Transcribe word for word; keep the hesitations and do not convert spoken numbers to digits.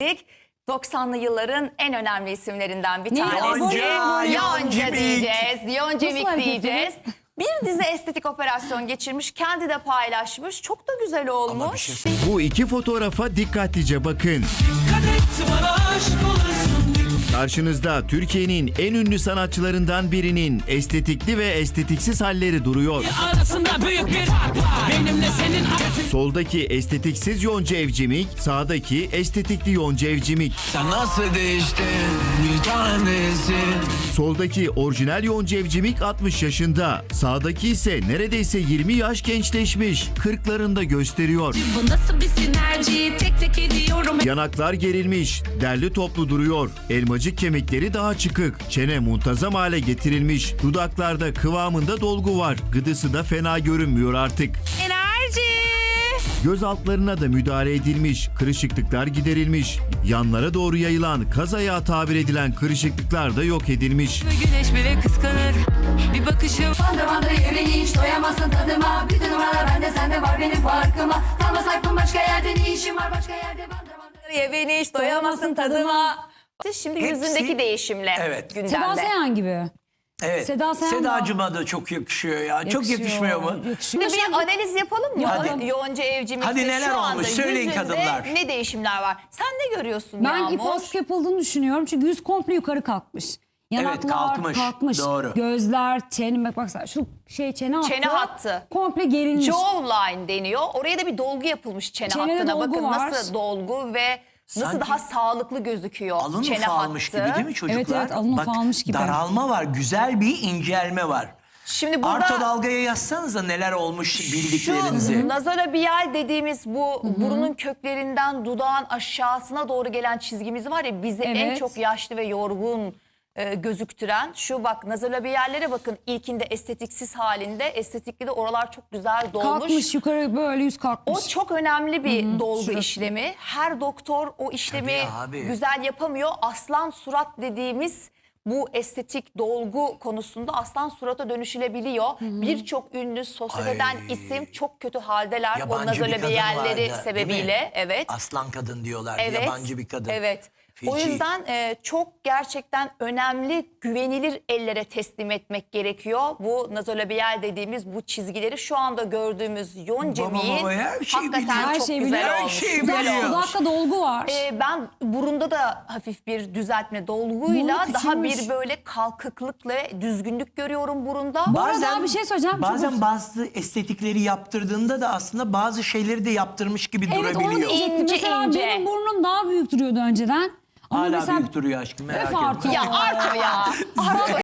doksanlı yılların en önemli isimlerinden bir Ne? tanesi. Yonca, Yonca Yoncimik. diyeceğiz. Yoncimik Nasıl diyeceğiz. Bir dizi estetik operasyon geçirmiş, kendi de paylaşmış. Çok da güzel olmuş. şey Bu iki fotoğrafa dikkatlice bakın. Karşınızda Türkiye'nin en ünlü sanatçılarından birinin estetikli ve estetiksiz halleri duruyor. Arasında büyük bir fark var. Benimle senin Soldaki estetiksiz Yonca Evcimik, sağdaki estetikli Yonca Evcimik. Sen nasıl değiştin bir tanesi. Soldaki orijinal Yonca Evcimik altmış yaşında, sağdaki ise neredeyse yirmi yaş gençleşmiş, kırklarında gösteriyor. Bu nasıl bir sinerji, tek tek ediyorum. Yanaklar gerilmiş, derli toplu duruyor. Elmacık kemikleri daha çıkık. Çene muntazam hale getirilmiş. Dudaklarda kıvamında dolgu var. Gıdısı da fena görünmüyor artık. Enerji. Göz altlarına da müdahale edilmiş. Kırışıklıklar giderilmiş. Yanlara doğru yayılan kaz ayağı tabir edilen kırışıklıklar da yok edilmiş. Güneş bile kıskanır. Bir bakışım. Bandı bandı yemeği hiç doyamazsın tadıma. Bütün numaralar bende sende var benim farkıma. Kalma sakın başka yerde ne işim var başka yerde bandı bandı. Ye beni hiç doyamazsın tadıma. Şimdi Hepsi- yüzündeki değişimle Evet. gündemde. Seda Sayan gibi. Evet. Seda Sayan da- Sedacığıma da çok yakışıyor ya. Çok Yakışıyor, yakışmıyor mu? yakışıyor. Şimdi bir analiz yapalım mı? Yapalım. Yonca Evcimik'te Hadi neler şu anda olmuş? Söyleyin yüzünde kadınlar. ne değişimler var? Sen ne görüyorsun Ben Yağmur? iposk yapıldığını düşünüyorum çünkü yüz komple yukarı kalkmış. Yanaklar kalkmış, kalkmış. doğru. Gözler, çene, bak baksana şu şey çene hattı. Çene hattı. Komple gerilmiş. Jawline deniyor. Oraya da bir dolgu yapılmış çene Çenede hattına. dolgu Bakın var. nasıl dolgu ve nasıl Sanki daha sağlıklı gözüküyor Alın çene ufalmış hattı. gibi değil mi çocuklar? Evet, evet, alın Bak, ufalmış gibi. daralma var. Güzel bir incelme var. Şimdi burada Arto dalgaya yazsanıza neler olmuş şu bildiklerinizi. nazolabial dediğimiz bu burunun köklerinden dudağın aşağısına doğru gelen çizgimiz var ya bizi en Evet. çok yaşlı ve yorgun e, gözüktüren şu bak nazolabiallere bakın ilkinde estetiksiz halinde estetikli de oralar çok güzel dolmuş. Kalkmış yukarı böyle yüz kalkmış. O çok önemli bir dolgu şurası. işlemi. Her doktor o işlemi Tabii abi. güzel yapamıyor. Aslan surat dediğimiz bu estetik dolgu konusunda aslan surata dönüşülebiliyor. Birçok ünlü sosyeteden Ay. isim çok kötü haldeler o Yabancı bir kadın nazolabiyalleri vardı, değil sebebiyle. mi? Evet. Aslan kadın diyorlar. Evet. Yabancı bir kadın. Evet. O Feci. yüzden e, çok gerçekten önemli, güvenilir ellere teslim etmek gerekiyor. Bu nazolabiyal dediğimiz bu çizgileri şu anda gördüğümüz yoncemiğin Baba baba her şeyi hakikaten biliyor. Her çok şeyi güzel biliyor. olmuş. Her şeyi güzel biliyor. olmuş. Dudakta dolgu var. Ee, ben burunda da hafif bir düzeltme dolguyla Burun daha küçülmüş. bir böyle kalkıklık ve düzgünlük görüyorum burunda. Bu arada bir şey söyleyeceğim. Bazen Çok- bazı estetikleri yaptırdığında da aslında bazı şeyleri de yaptırmış gibi Evet onu durabiliyor. diyecektim. İnce Mesela ince. benim burnum daha büyük duruyordu önceden. Ama Hala mesela büyük duruyor aşkım merak Öf etme. artık. Ya Arto ya. Arto